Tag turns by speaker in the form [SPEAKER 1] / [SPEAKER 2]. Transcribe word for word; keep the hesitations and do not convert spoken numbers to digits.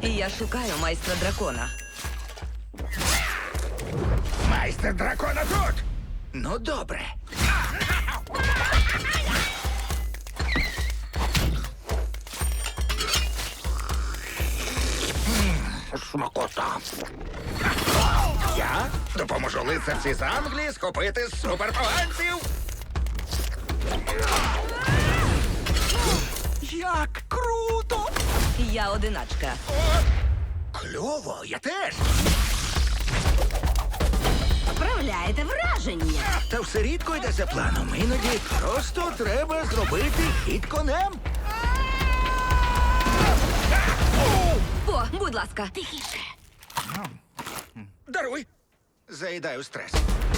[SPEAKER 1] І я шукаю майстра дракона.
[SPEAKER 2] Майстер дракона тут! Ну, добре. М, Смакота. Я допоможу лицарці з Англії схопити суперпоганців. Як круто!
[SPEAKER 1] Я одиначка.
[SPEAKER 2] Кльово, я теж.
[SPEAKER 3] Справляєте враження.
[SPEAKER 2] Та все рідко йде за планом. Іноді просто треба зробити хід конем.
[SPEAKER 1] О, будь ласка.
[SPEAKER 3] Тихіше.
[SPEAKER 2] Даруй. Заїдаю стрес.